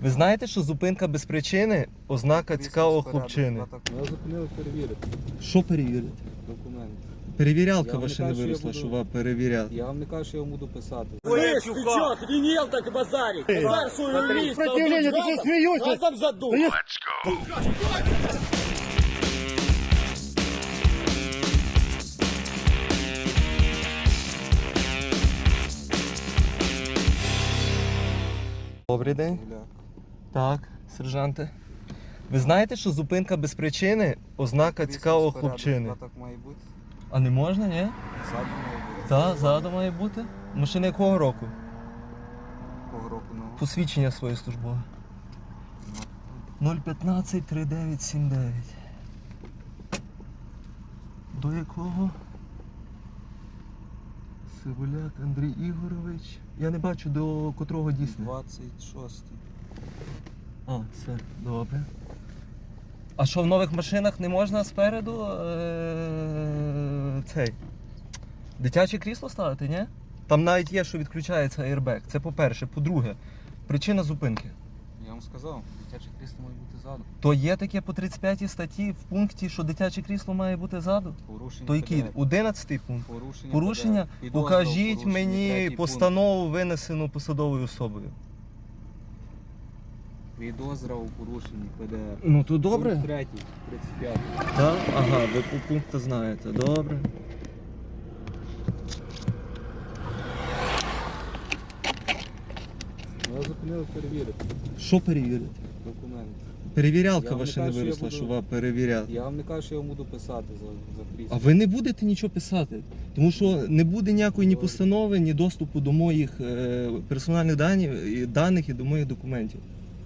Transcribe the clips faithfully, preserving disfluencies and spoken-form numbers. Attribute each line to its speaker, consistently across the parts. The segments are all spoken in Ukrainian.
Speaker 1: Ви знаєте, що зупинка без причини – ознака цікавого хлопчини?
Speaker 2: Я зупинив перевірити
Speaker 1: Що перевірити?
Speaker 2: документи.
Speaker 1: Перевірялка
Speaker 2: Я вам
Speaker 1: ваша
Speaker 2: не
Speaker 1: не
Speaker 2: кажу, що я
Speaker 1: виросла,
Speaker 2: буду-
Speaker 1: що вам перевіряти.
Speaker 2: Я вам не кажу, що я вам буду писати.
Speaker 3: Слышь, ты чё, охренел так базарить? Базар свою лист,
Speaker 4: Сопротивление, ты что, смеешься?
Speaker 3: газом задул.
Speaker 1: Добрий день.
Speaker 2: Гуляк.
Speaker 1: Так, сержанте. Ви знаєте, що зупинка без причини – ознака цікавого
Speaker 2: Крісло
Speaker 1: хлопчини?
Speaker 2: спереду, так має бути.
Speaker 1: А не можна, ні?
Speaker 2: Ззаду має бути.
Speaker 1: Так, ззаду має бути. Машина якого року?
Speaker 2: Кого року ну.
Speaker 1: Посвідчення своє службове. нуль п'ятнадцять тридцять дев'ять сімдесят дев'ять. До якого? Сивуляк Андрій Ігорович. Я не бачу, до котрого дійсно.
Speaker 2: двадцять шостий.
Speaker 1: А, все, добре. А що в нових машинах не можна спереду е- цей дитяче крісло ставити, ні? Там навіть є, що відключається airbag. Це по-перше. По-друге, причина зупинки.
Speaker 2: Я вам сказав, дитяче крісло має бути ззаду.
Speaker 1: То є таке по тридцять п'ятій статті в пункті, що дитяче крісло має бути ззаду?
Speaker 2: Порушення.
Speaker 1: То який?
Speaker 2: ПДР.
Speaker 1: одинадцятий пункт.
Speaker 2: Порушення.
Speaker 1: Порушення?
Speaker 2: ПДР. Підозра у
Speaker 1: Покажіть
Speaker 2: порушенні,
Speaker 1: мені
Speaker 2: третій
Speaker 1: постанову, винесену посадовою особою.
Speaker 2: пункт. Підозра у порушенні ПДР.
Speaker 1: Ну то
Speaker 2: Пункт третій, тридцять п'ятий.
Speaker 1: Так? Ага, ви по пункту знаєте. Добре.
Speaker 2: Я зупинив перевірити
Speaker 1: Що перевірити?
Speaker 2: документи.
Speaker 1: Перевірялка
Speaker 2: Я вам не
Speaker 1: ваша не
Speaker 2: кажу, що я
Speaker 1: виросла,
Speaker 2: буду-
Speaker 1: що вам перевіряти.
Speaker 2: Я вам не кажу, що я вам буду писати за, за крісло.
Speaker 1: А ви не будете нічого писати, тому що не буде ніякої ні постанови, ні доступу до моїх е, персональних даних, і даних і до моїх документів.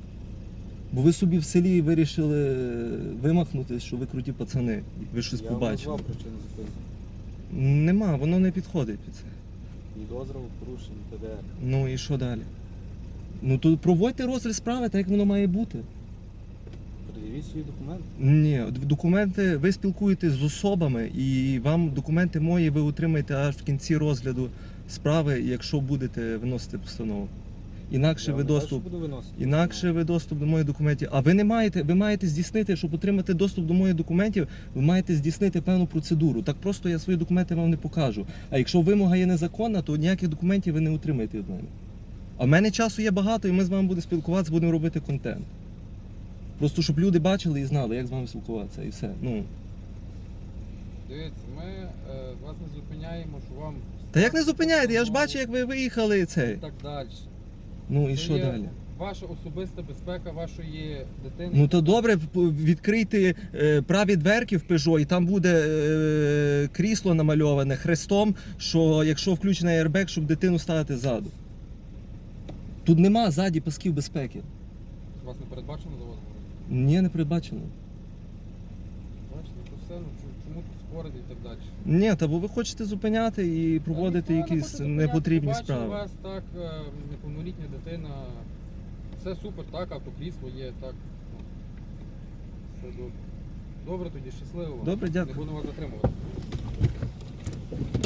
Speaker 1: Бо ви собі в селі вирішили вимахнути, що ви круті пацани, ви щось
Speaker 2: Я вам
Speaker 1: побачили.
Speaker 2: назвав причину зупинки.
Speaker 1: Нема, воно не підходить під це.
Speaker 2: Підозра у порушенні ПДР.
Speaker 1: Ну і що далі? Ну то проводьте розгляд справи, так як воно має бути.
Speaker 2: Пред'явіть свої документи.
Speaker 1: Ні, документи, ви спілкуєтесь з особами і вам документи мої ви отримаєте аж в кінці розгляду справи, якщо будете виносити постанову. Інакше
Speaker 2: Я
Speaker 1: ви
Speaker 2: вам не кажу,
Speaker 1: доступ,
Speaker 2: що буду виносити.
Speaker 1: інакше ви доступ до моїх документів. А ви не маєте, ви маєте здійснити, щоб отримати доступ до моїх документів, ви маєте здійснити певну процедуру. Так просто я свої документи вам не покажу. А якщо вимога є незаконна, то ніяких документів ви не отримаєте від мене. А в мене часу є багато, і ми з вами будемо спілкуватися, будемо робити контент. Просто щоб люди бачили і знали, як з вами спілкуватися, і все. Ну.
Speaker 5: Дивіться, ми е, вас не зупиняємо, що вам...
Speaker 1: Та як не зупиняєте? Я ж
Speaker 5: постанову
Speaker 1: бачу, як ви виїхали
Speaker 5: І
Speaker 1: цей.
Speaker 5: так далі.
Speaker 1: Ну і
Speaker 5: Це
Speaker 1: що
Speaker 5: є
Speaker 1: далі?
Speaker 5: Ваша особиста безпека вашої дитини.
Speaker 1: Ну то добре, п- відкрийте е, праві дверки в Peugeot, і там буде е, крісло намальоване хрестом, що якщо включений airbag, щоб дитину ставити ззаду. Тут нема ззаді пасків безпеки.
Speaker 5: Вас не передбачено за вас?
Speaker 1: Ні, не передбачено.
Speaker 5: Бачите, то все, ну чому, чому тут спорити і так далі?
Speaker 1: Ні, та бо ви хочете зупиняти і проводити
Speaker 5: Та ніхто не
Speaker 1: якісь
Speaker 5: хоче зупиняти,
Speaker 1: непотрібні
Speaker 5: побачив
Speaker 1: справи.
Speaker 5: у вас так, е, неповнолітня дитина. Все супер, так, автокрісло є, так. Ну, все добре. Добре тоді, щасливо вам.
Speaker 1: Добре, дякую.
Speaker 5: Не буду вас затримувати.